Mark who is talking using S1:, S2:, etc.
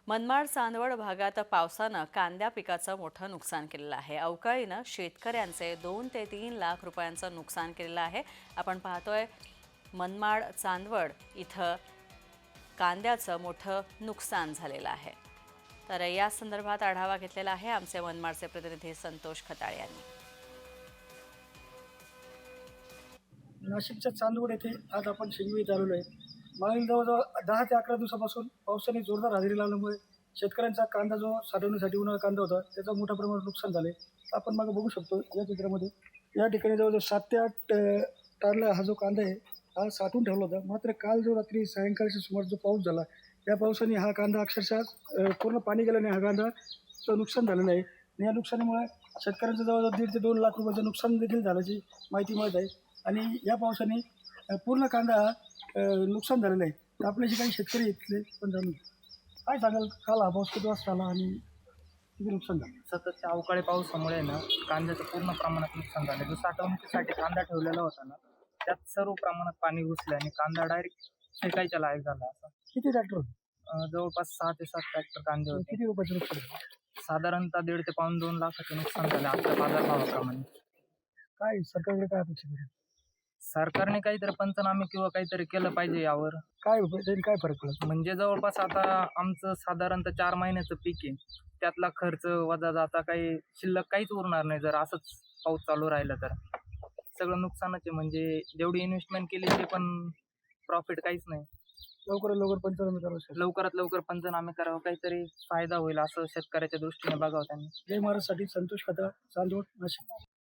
S1: मनमाड चांदवड भागात पावसानं कांद्या पिकाचं मोठं नुकसान केलेलं आहे। अवकाळीनं शेतकऱ्यांचे 2 ते 3 लाख रुपयांचं नुकसान केलेलं आहे। आपण पाहतोय मनमाड चांदवड इथं कांद्याचं मोठं नुकसान झालेलं आहे। तर या संदर्भात आढावा घेतलेला आहे आमचे मनमाडचे प्रतिनिधी संतोष खताळे यांनी।
S2: नाशिकच्या चांदवड येथे आज आपण शिंगवी आलेलो आहे। मागील जवळजवळ 10 ते 11 दिवसापासून पावसाने जोरदार हजेरी लावल्यामुळे शेतकऱ्यांचा कांदा जो साठवण्यासाठी उन्हाळा कांदा होता त्याचं मोठ्या प्रमाणात नुकसान झाले। आपण मागे बघू शकतो या चित्रामध्ये या ठिकाणी जवळजवळ 7 ते 8 टनला हा जो कांदा आहे हा साठवून ठेवला होता। मात्र काल जो रात्री सायंकाळच्या सुमारास जो पाऊस झाला या पावसाने हा कांदा अक्षरशः पूर्ण पाणी गेल्याने हा कांदाचं नुकसान झालेलं आहे। आणि या नुकसानीमुळे शेतकऱ्यांचं जवळजवळ 1.5 ते 2 लाख रुपयाचं नुकसान देखील झाल्याची माहिती मिळत आहे। आणि या पावसाने पूर्ण कांदा नुकसान झालेलं आहे। तर आपले जे काही शेतकरी इथले पण जाणून काय सांगाल, काल हा पाऊस किती वाजता आला आणि किती नुकसान झालं?
S3: सततच्या अवकाळी पावसामुळे ना कांद्याचं पूर्ण प्रमाणात नुकसान झालं। जो साठवणुकीसाठी कांदा ठेवलेला होता ना त्यात सर्व प्रमाणात पाणी घुसलं आणि कांदा डायरेक्ट फेकायच्या लायक झाला। असा
S2: किती ट्रॅक्टर होते?
S3: जवळपास 6 ते 7 ट्रॅक्टर कांदे होते।
S2: किती रुपयाचं नुकसान झालं?
S3: साधारणतः 1.5 ते पाऊण 2 लाखाचे नुकसान झालं आपल्या बाजारभावाप्रमाणे।
S2: काय सरकारकडे काय अपेक्षा आहे?
S3: सरकारने काहीतरी पंचनामे किंवा काहीतरी केलं पाहिजे यावर।
S2: काय त्याने काय फरक पडला?
S3: म्हणजे जवळपास आता आमचं साधारणतः 4 महिन्याचं पीक आहे, त्यातला खर्च वजा जाता काही शिल्लक काहीच उरणार नाही जर असंच पाऊस चालू राहिला तर। सगळं नुकसानच आहे, म्हणजे जेवढी इन्व्हेस्टमेंट केली ते पण प्रॉफिट काहीच नाही।
S2: लवकरात लवकर पंचनामे करावं शकतो।
S3: लवकरात लवकर पंचनामे करावं, काहीतरी फायदा होईल असं शेतकऱ्याच्या दृष्टीने बघावं त्यांनी।
S2: जय महाराजसाठी संतोष खता, चांदवड, नाशिक।